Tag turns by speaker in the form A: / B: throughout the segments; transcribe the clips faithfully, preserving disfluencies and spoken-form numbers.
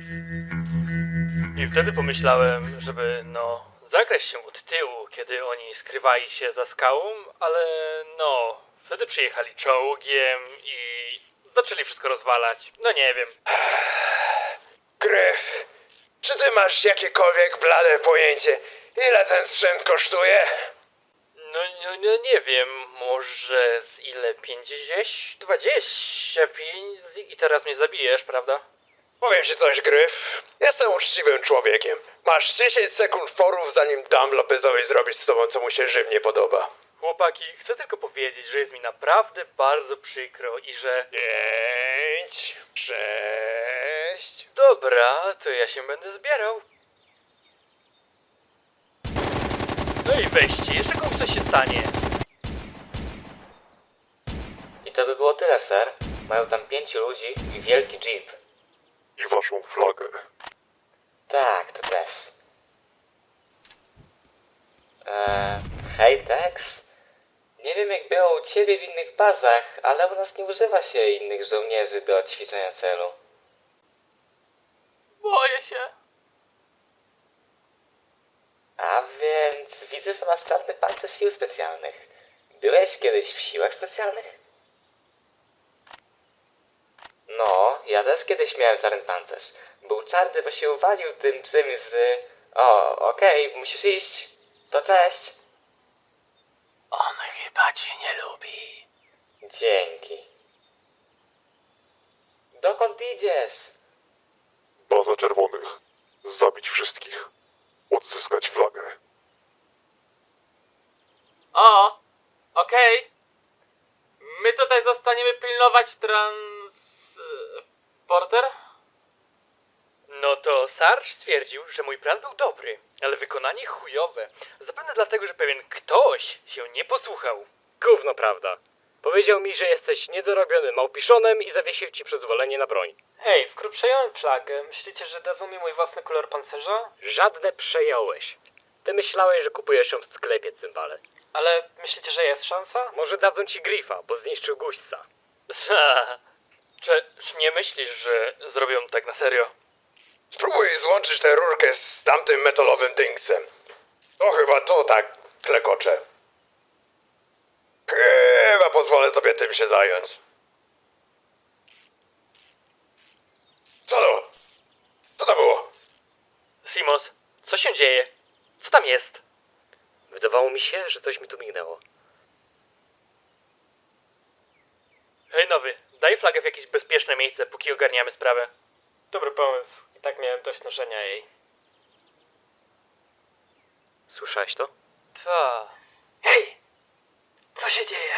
A: I wtedy pomyślałem, żeby no zagrać się od tyłu, kiedy oni skrywali się za skałą, ale no wtedy przyjechali czołgiem i zaczęli wszystko rozwalać. No nie wiem.
B: Gryf, czy ty masz jakiekolwiek blade pojęcie, ile ten sprzęt kosztuje?
A: No, no, no nie wiem, może z ile? pięćdziesiąt? dwadzieścia pięć i teraz mnie zabijesz, prawda?
B: Powiem ci coś, Gryf. Jestem uczciwym człowiekiem. Masz dziesięć sekund forów, zanim dam Lopezowi zrobić z tobą, co mu się żywnie podoba.
A: Chłopaki, chcę tylko powiedzieć, że jest mi naprawdę bardzo przykro i że...
B: Pięć, sześć...
A: Dobra, to ja się będę zbierał. No i weźcie, jeszcze komuś coś się stanie.
C: I to by było tyle, ser. Mają tam pięciu ludzi i wielki jeep.
B: I waszą flagę.
C: Tak, to też. Eee, hej Tex? Nie wiem jak było u ciebie w innych bazach, ale u nas nie używa się innych żołnierzy do ćwiczenia celu.
A: Boję się.
C: A więc widzę, że masz czarny pancerz sił specjalnych. Byłeś kiedyś w siłach specjalnych? No, ja też kiedyś miałem czarny pancerz. Był czarny, bo się uwalił tym czymś z... O, okej, musisz iść. To cześć.
A: On chyba cię nie lubi.
C: Dzięki. Dokąd idziesz?
B: Baza czerwonych. Zabić wszystkich. Odzyskać flagę.
A: O, okej. My tutaj zostaniemy pilnować trans... Porter? No to Sarge stwierdził, że mój plan był dobry, ale wykonanie chujowe. Zapewne dlatego, że pewien ktoś się nie posłuchał.
D: Gówno prawda. Powiedział mi, że jesteś niedorobionym małpiszonem i zawiesił ci przyzwolenie na broń.
A: Hej, skoro przejąłem flagę, myślicie, że dadzą mi mój własny kolor pancerza?
D: Żadne przejąłeś. Ty myślałeś, że kupujesz ją w sklepie, cymbale.
A: Ale myślicie, że jest szansa?
D: Może dadzą ci Grifa, bo zniszczył guźca.
A: Czy nie myślisz, że zrobią tak na serio?
B: Spróbuj złączyć tę rurkę z tamtym metalowym dynksem. To chyba to tak klekocze. Chyba pozwolę sobie tym się zająć. Co to? Co to było?
A: Simos, co się dzieje? Co tam jest?
D: Wydawało mi się, że coś mi tu mignęło.
A: Hej nowy, daj flagę w jakieś bezpieczne miejsce, póki ogarniamy sprawę. Dobry pomysł. I tak miałem dość noszenia jej.
D: Słyszałeś to?
A: Ta. Hej! Co się dzieje?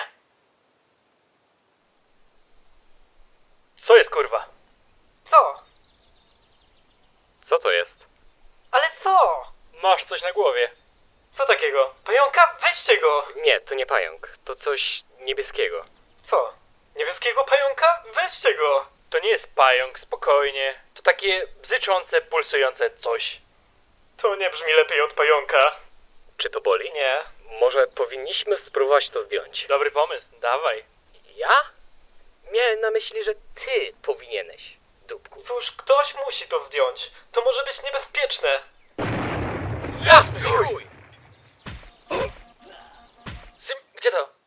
A: Co jest kurwa? Co?
D: Co to jest?
A: Ale co? Masz coś na głowie. Co takiego? Pająka? Weźcie go!
D: Nie, to nie pająk. To coś niebieskiego.
A: Co? Niebieskiego pająka? Weźcie go! To nie jest pająk, spokojnie. To takie bzyczące, pulsujące coś. To nie brzmi lepiej od pająka.
D: Czy to boli?
A: Nie.
D: Może powinniśmy spróbować to zdjąć.
A: Dobry pomysł, dawaj.
D: Ja? Miałem na myśli, że ty powinieneś, dupku.
A: Cóż, ktoś musi to zdjąć. To może być niebezpieczne.
D: Jasny chuj!
A: Sim, gdzie to?